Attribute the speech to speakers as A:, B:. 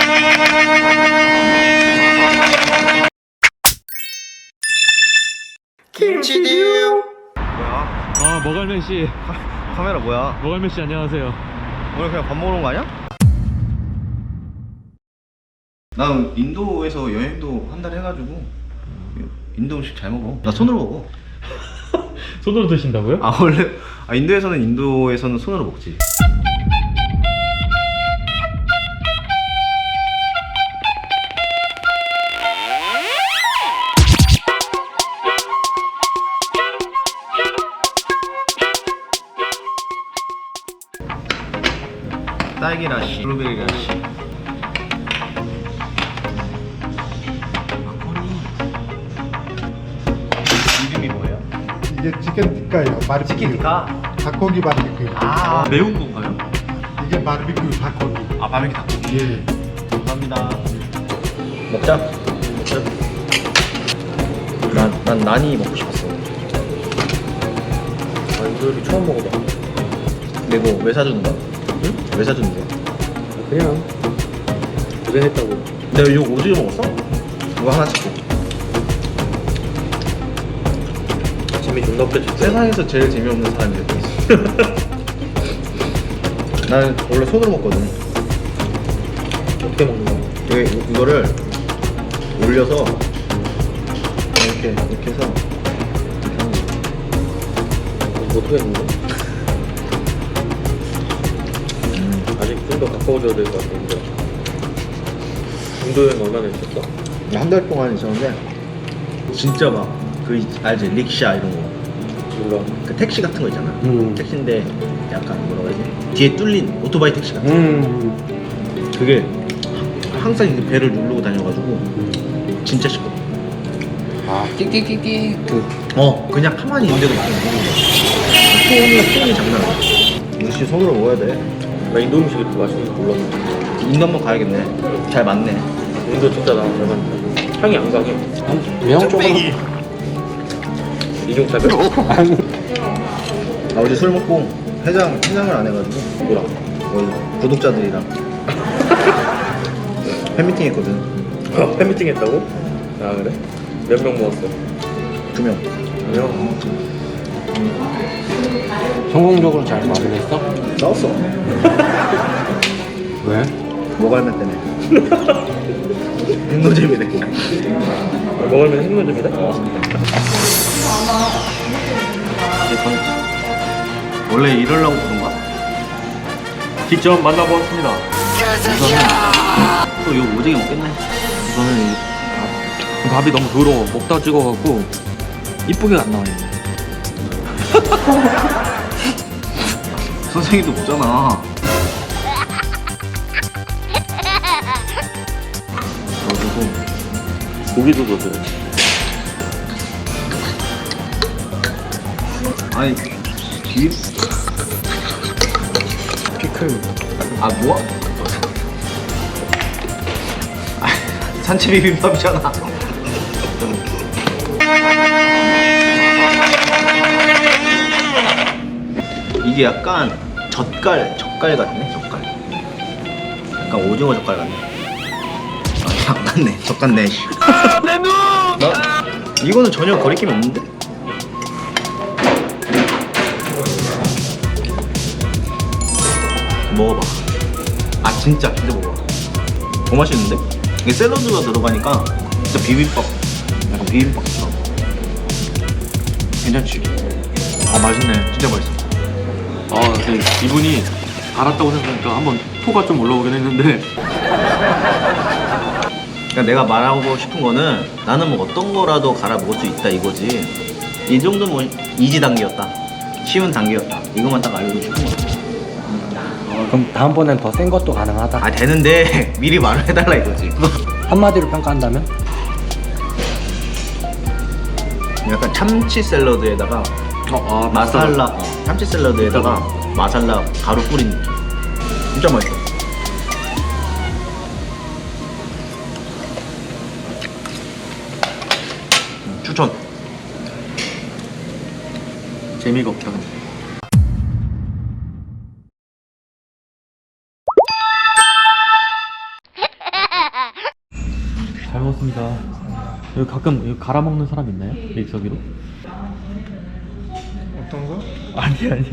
A: 김치듀.
B: 뭐야?
C: 아, 머갈맨 씨.
B: 카메라 뭐야?
C: 머갈맨 씨 안녕하세요.
B: 오늘 그냥 밥 먹으러 온 거 아니야? 난 인도에서 여행도 한 달 해가지고 인도 음식 잘 먹어. 나 손으로 먹어.
C: 손으로 드신다고요?
B: 아 원래 인도에서는 손으로 먹지. 딸기 라시, 블루베리 라시. 이름이 뭐예요?
A: 이게 치킨 티카예요. 바비큐.
B: 치킨 티카?
A: 닭고기 바비큐.
B: 아
C: 매운 건가요?
A: 이게 바비큐 닭고기.
B: 아 바비큐 닭고기.
A: 예.
B: 감사합니다. 먹자. 난 난이 먹고 싶었어.
C: 아, 이거 처음 먹어봐.
B: 근데 이거 왜 사주는 거야? 응? 왜 사주는 거야?
C: 그냥 고생했다고.
B: 내가 이거 오지게 먹었어? 이거 하나씩 줘.
C: 재미 존나 없겠지.
B: 세상에서 제일 재미없는 사람이 됐어. 나는 원래 손으로 먹거든.
C: 어떻게 먹는 거야?
B: 이거를 올려서 이렇게 해서 이렇게 하는 거야.
C: 이거 어떻게 먹는 거야? 아직 좀 더 가까워져야 될 것 같은데. 인도 여행 얼마나 있었어?
B: 한 달 동안 있었는데 진짜 막 그 알지? 릭샤 이런 거.
C: 몰라.
B: 그 택시 같은 거 있잖아. 택시인데 약간 뭐라고 해야지? 뒤에 뚫린 오토바이 택시 같은 거. 그게 항상 이 배를 누르고 다녀가지고 진짜 시끄러.
A: 아, 끼끼끼끼.
B: 그냥 가만히 있는데도 막 톤이 장난 아니야. 역시 손으로 먹어야 돼.
C: 나 인도 음식이 이렇게 맛있는 줄 몰랐어.
B: 인도 한번 가야겠네. 잘 맞네.
C: 인도 진짜 나 잘 맞는다. 향이 안 강해.
A: 매운 쪽으로.
C: 이중차별?
B: 어제 술 먹고 해장을 안 해가지고
C: 뭐라?
B: 구독자들이랑 팬미팅 했거든.
C: 팬미팅 했다고? 아 그래? 몇 명 모았어?
B: 2명.
C: 명.
A: 성공적으로 잘 마무리했어?
B: 싸웠어.
A: 왜?
B: 모갈맨 때문에. 행노잼이네.
C: 먹으면 핵노잼이다?
B: 원래 이러려고 그런가?
C: 직접 만나보았습니다.
B: 또 이거 오지게 먹겠네.
C: 저는 밥이 너무 더러워. 먹다 찍어갖고 이쁘게 안 나와요.
B: 선생님도 먹잖아. 그래가지고
C: 고기도 넣어줘요.
B: 아니 비 피클 아 뭐야? 아, 산채 비빔밥이잖아. 이게 약간 젓갈 같네. 젓갈 약간 오징어 젓갈 같네. 아 같네. 젓 같네. 내 눈! 이거는 전혀 거리낌이 없는데? 먹어봐. 아 진짜 먹어봐. 더 맛있는데? 이게 샐러드가 들어가니까 진짜 비빔밥, 약간 비빔밥처럼. 괜찮지?
C: 아 맛있네.
B: 진짜 맛있어.
C: 아 근데 이분이 알았다고 생각하니까 한번 토가 좀 올라오긴 했는데.
B: 그러니까 내가 말하고 싶은 거는 나는 뭐 어떤 거라도 갈아 먹을 수 있다 이거지. 이 정도는 뭐 이지 단계였다. 쉬운 단계였다. 이것만 딱 알고 싶은 거야.
D: 그럼 다음번엔 더 센 것도 가능하다.
B: 아 되는데 미리 말을 해달라 이거지.
D: 한마디로 평가한다면?
B: 약간 참치 샐러드에다가 마살라 참치 샐러드에다가 마살라 가루 뿌린 느낌. 진짜 맛있어. 추천.
C: 재미가 없다 근데. 잘 먹었습니다. 여기 가끔 여기 갈아 먹는 사람 있나요? 믹서기로?
E: 어떤 거?
C: 아니